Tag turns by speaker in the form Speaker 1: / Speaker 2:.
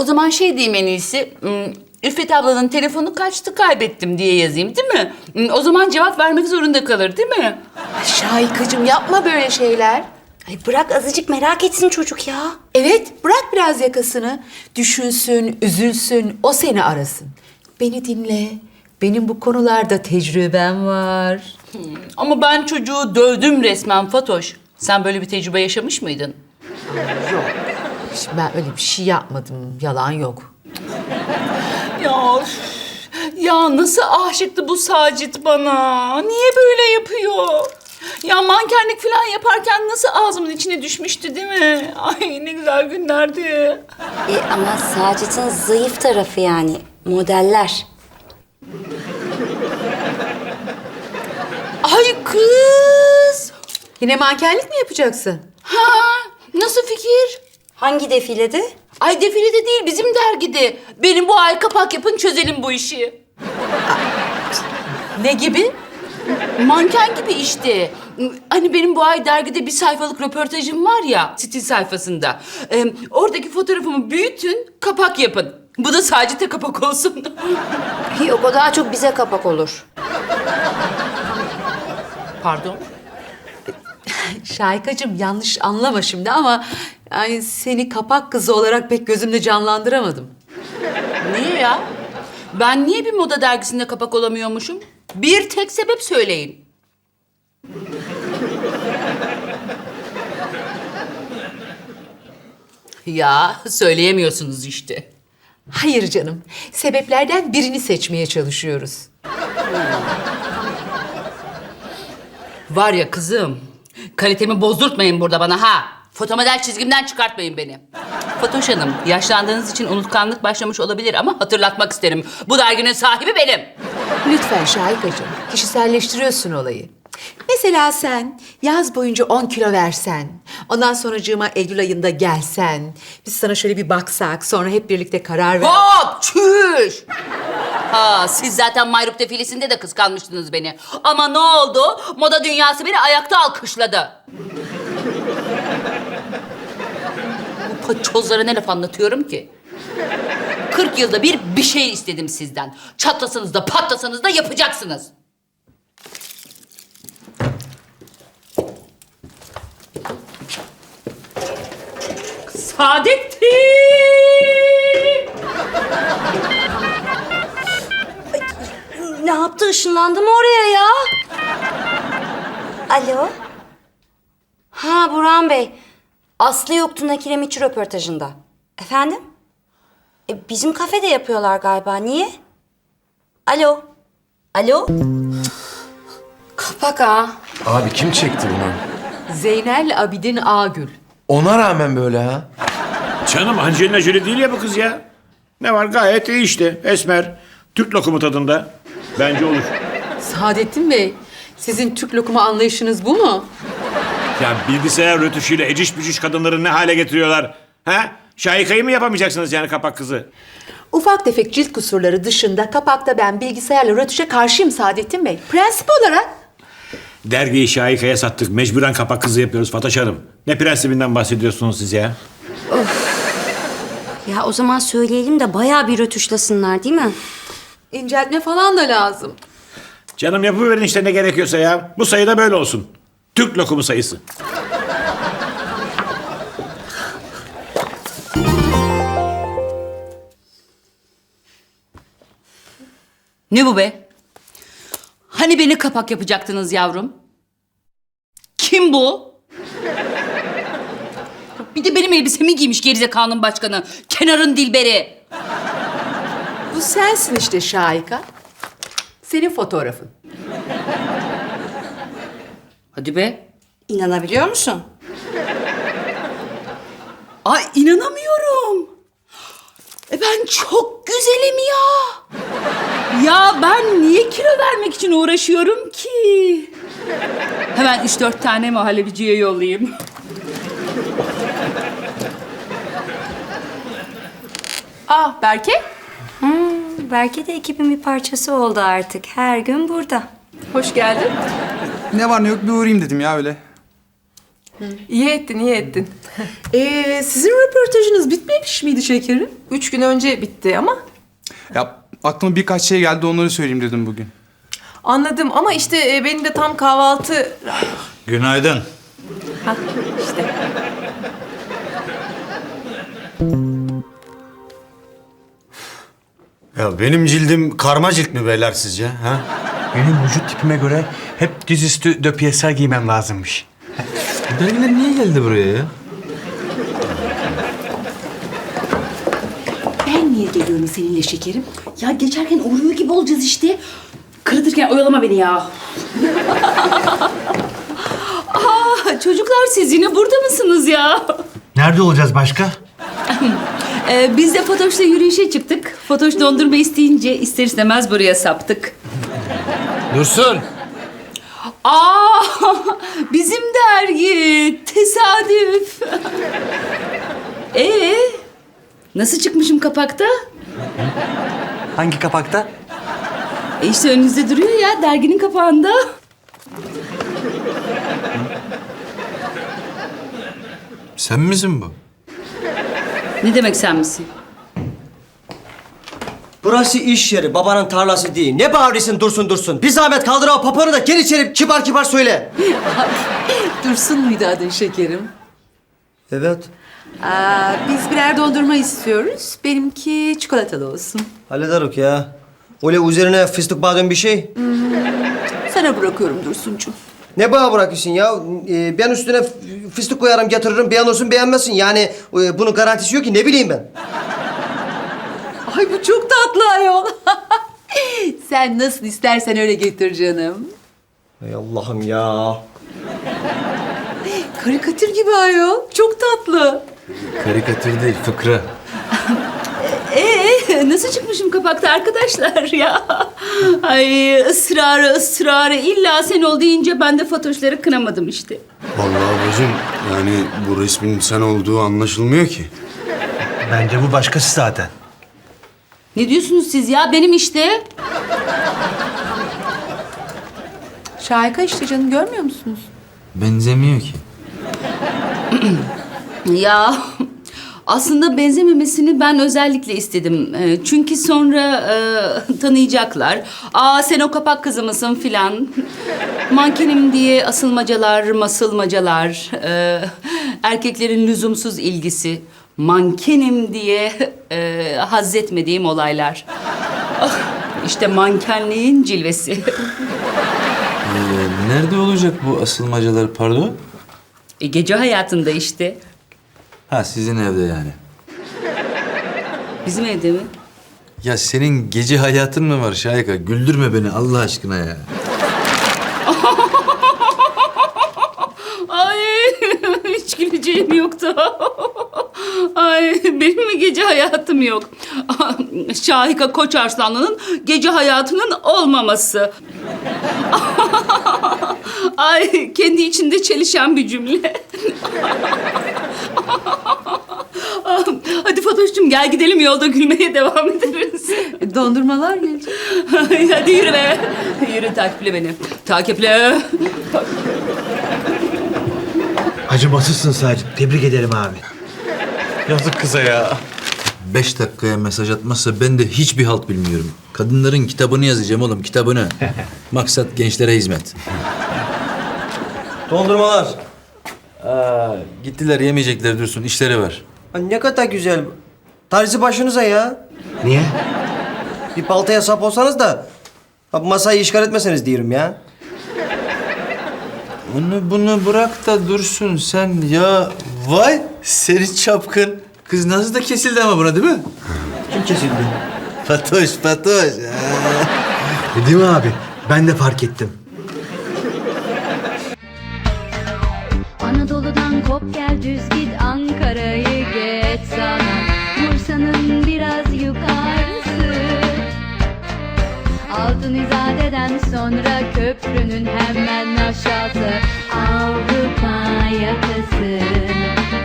Speaker 1: zaman şey diyeyim en iyisi. Üffet ablanın telefonu kaçtı, kaybettim diye yazayım, değil mi? O zaman cevap vermek zorunda kalır, değil mi?
Speaker 2: Ay Şahikacığım, yapma böyle şeyler.
Speaker 3: Ay bırak azıcık merak etsin çocuk ya.
Speaker 2: Evet, bırak biraz yakasını. Düşünsün, üzülsün, o seni arasın. Beni dinle. Benim bu konularda tecrübem var.
Speaker 1: Ama ben çocuğu dövdüm resmen Fatoş. Sen böyle bir tecrübe yaşamış mıydın?
Speaker 2: Şimdi ben öyle bir şey yapmadım. Yalan yok.
Speaker 1: Ya üf, ya nasıl aşıktı bu Sacit bana? Niye böyle yapıyor? Ya mankenlik falan yaparken nasıl ağzımın içine düşmüştü, değil mi? Ay ne güzel günlerdi.
Speaker 3: Ama Sacit'in zayıf tarafı yani. Modeller.
Speaker 1: Ay kız!
Speaker 2: Yine mankenlik mi yapacaksın?
Speaker 1: Ha, nasıl fikir?
Speaker 3: Hangi defilede?
Speaker 1: Ay defilede değil, bizim dergide. Benim bu ay kapak yapın, çözelim bu işi.
Speaker 2: Ne gibi?
Speaker 1: Manken gibi işte. Hani benim bu ay dergide bir sayfalık röportajım var ya, stil sayfasında. Oradaki fotoğrafımı büyütün, kapak yapın. Bu da Sacit'e kapak olsun.
Speaker 3: Yok, o daha çok bize kapak olur.
Speaker 1: Pardon?
Speaker 2: Şahikacığım, yanlış anlama şimdi ama... yani seni kapak kızı olarak pek gözümde canlandıramadım.
Speaker 1: Niye ya? Ben niye bir moda dergisinde kapak olamıyormuşum? Bir tek sebep söyleyin. Ya söyleyemiyorsunuz işte.
Speaker 2: Hayır canım, sebeplerden birini seçmeye çalışıyoruz.
Speaker 1: Var ya kızım, kalitemi bozdurtmayın burada bana ha. Fotomodel çizgimden çıkartmayın beni. Fatoş Hanım, yaşlandığınız için unutkanlık başlamış olabilir ama hatırlatmak isterim. Bu derginin sahibi benim.
Speaker 2: Lütfen Şahikacığım, kişiselleştiriyorsun olayı. Mesela sen yaz boyunca 10 kilo versen, ondan sonracığıma Eylül ayında gelsen, biz sana şöyle bir baksak, sonra hep birlikte karar ver...
Speaker 1: Hop, çüş! Ha, siz zaten Mayruk defilesinde de kıskanmıştınız beni. Ama ne oldu? Moda dünyası beni ayakta alkışladı. Bu paçozlara ne laf anlatıyorum ki? 40 yılda bir şey istedim sizden. Çatlasanız da patlasanız da yapacaksınız. Saadettin!
Speaker 3: Ne yaptı? Işınlandı mı oraya ya? Alo? Ha, Burhan Bey. Aslı yoktu Nakiremitçi röportajında. Efendim? Bizim kafede yapıyorlar galiba. Niye? Alo? Alo? Kapak ha.
Speaker 4: Abi kim çekti bunu?
Speaker 2: Zeynel Abidin Ağgül.
Speaker 4: Ona rağmen böyle ha.
Speaker 5: Canım Angelina Jolie değil ya bu kız ya. Ne var, gayet iyi işte. Esmer, Türk lokumu tadında. Bence olur.
Speaker 2: Saadettin Bey, sizin Türk lokumu anlayışınız bu mu?
Speaker 5: Ya bilgisayar rötuşuyla eciş bücüş kadınları ne hale getiriyorlar? Ha? Şahikayı mı yapamayacaksınız yani kapak kızı?
Speaker 2: Ufak tefek cilt kusurları dışında kapakta ben bilgisayarla rötuşa karşıyım Saadettin Bey. Prensip olarak.
Speaker 5: Dergiyi Şahika'ya sattık. Mecburen kapak kızı yapıyoruz Fatoş Hanım. Ne prensibinden bahsediyorsunuz siz ya?
Speaker 3: Ya o zaman söyleyelim de bayağı bir rötuşlasınlar değil mi?
Speaker 2: İnceltme falan da lazım.
Speaker 5: Canım yapıverin işte ne gerekiyorsa ya. Bu sayı da böyle olsun. Türk lokumu sayısı.
Speaker 1: Ne bu be? Hani beni kapak yapacaktınız yavrum? Kim bu? Bir de benim elbisemi giymiş gerizekalının başkanı. Kenarın Dilberi.
Speaker 2: Bu sensin işte Şahika. Senin fotoğrafın.
Speaker 1: Hadi be.
Speaker 3: İnanabiliyor musun?
Speaker 1: Ay inanamıyorum. Ben çok güzelim ya. Ya ben niye kilo vermek için uğraşıyorum ki? Hemen 3-4 tane muhallebiciye yollayayım.
Speaker 2: Berke.
Speaker 3: Belki de ekibin bir parçası oldu artık. Her gün burada.
Speaker 2: Hoş geldin.
Speaker 6: Ne var ne yok bir uğrayayım dedim ya öyle. İyi ettin, iyi ettin.
Speaker 2: Sizin röportajınız bitmemiş miydi şekerim?
Speaker 6: 3 gün önce bitti ama
Speaker 7: Ya aklıma birkaç şey geldi, onları söyleyeyim dedim bugün.
Speaker 6: anladım. Ama işte benim de tam kahvaltı...
Speaker 8: Günaydın.
Speaker 6: Hah, işte.
Speaker 8: Ya benim cildim karma cilt mi beyler sizce? Ha?
Speaker 9: Benim vücut tipime göre hep dizüstü döpiyeser giymem lazımmış.
Speaker 4: Bu dergiler niye geldi buraya ya?
Speaker 1: Ben niye geliyorum seninle şekerim? Ya geçerken uğruyor gibi olacağız işte. Kırıtırken oyalama beni ya. Aa, çocuklar siz yine burada mısınız ya?
Speaker 9: Nerede olacağız başka?
Speaker 1: Biz de Fatoş'la yürüyüşe çıktık. Fatoş dondurma isteyince ister istemez buraya saptık.
Speaker 4: Dursun.
Speaker 1: Aa, bizim dergi. Tesadüf. Nasıl çıkmışım kapakta?
Speaker 9: Hangi kapakta?
Speaker 1: İşte önünüzde duruyor ya derginin kapağında.
Speaker 4: Sen misin bu?
Speaker 1: Ne demek sen misin?
Speaker 10: Burası iş yeri, babanın tarlası değil. Ne bağırıyorsun Dursun? Bir zahmet kaldır o papanı da gel içeri kibar kibar söyle.
Speaker 2: Dursun muydu adın şekerim?
Speaker 10: Evet,
Speaker 2: Biz birer dondurma istiyoruz. Benimki çikolatalı olsun.
Speaker 10: hallederuk ya. Öyle üzerine fıstık badem bir şey.
Speaker 2: Sana bırakıyorum Dursuncuğum.
Speaker 10: Ne bana bırakıyorsun ya? Ben üstüne fıstık koyarım getiririm, beğenirsin beğenmezsin. Yani bunun garantisi yok ki ne bileyim ben.
Speaker 2: Ay bu çok tatlı ayol. Sen nasıl istersen öyle getir canım.
Speaker 10: Ey Allah'ım ya.
Speaker 2: Karikatür gibi ayol. Çok tatlı.
Speaker 4: Karikatür değil, fıkra.
Speaker 1: Nasıl çıkmışım kapakta arkadaşlar ya? Ay ısrarı illa sen ol deyince ben de Fatoşları kınamadım işte.
Speaker 8: Vallahi bacım yani bu resmin sen olduğu anlaşılmıyor ki.
Speaker 9: Bence bu başkası zaten.
Speaker 1: Ne diyorsunuz siz ya? Benim işte.
Speaker 2: Şahika işte canım görmüyor musunuz?
Speaker 4: Benzemiyor ki.
Speaker 1: Ya aslında benzememesini ben özellikle istedim. Çünkü sonra tanıyacaklar. Aa sen o kapak kızı mısın filan. Mankenim diye asılmacalar, masılmacalar. Erkeklerin lüzumsuz ilgisi. Mankenim diye hazzetmediğim olaylar. Ah, işte mankenliğin cilvesi.
Speaker 4: Nerede olacak bu asılmacalar pardon?
Speaker 1: Gece hayatında işte.
Speaker 4: Ha sizin evde yani.
Speaker 1: Bizim evde mi?
Speaker 4: Ya senin gece hayatın mı var Şahika? Güldürme beni Allah aşkına ya.
Speaker 1: Ay hiç güleceğim yoktu. Ay benim mi gece hayatım yok? Şahika Koçarslanlı'nın gece hayatının olmaması. Ay kendi içinde çelişen bir cümle. Hadi Fatoş'cum gel gidelim yolda gülmeye devam ederiz.
Speaker 2: Dondurmalar gelecek.
Speaker 1: Hadi yürü be. Yürü takiple beni. Takiple.
Speaker 9: Acımasızsın sadece. Tebrik ederim abi.
Speaker 4: Yazık kıza ya. 5 dakikaya mesaj atmazsa ben de hiçbir halt bilmiyorum. Kadınların kitabını yazacağım oğlum, kitabını. Maksat gençlere hizmet.
Speaker 10: Dondurmalar.
Speaker 4: Gittiler yemeyecekler Dursun, işleri var.
Speaker 10: Ha, ne kadar güzel. Tarzi başınıza ya.
Speaker 9: Niye?
Speaker 10: Bir baltaya sap olsanız da ha, masayı işgal etmeseniz diyorum ya.
Speaker 4: Bunu bırak da Dursun sen ya. Vay seni çapkın. Kız nasıl da kesildi ama buna değil mi?
Speaker 10: Kim kesildi?
Speaker 4: Fatoş.
Speaker 9: Değil mi abi? Ben de fark ettim.
Speaker 11: Anadolu'dan kop gel düz git Ankara'yı geç sana Bursa'nın biraz yukarısı Altın İzade'den sonra köprünün hemen aşağısı Avrupa yakası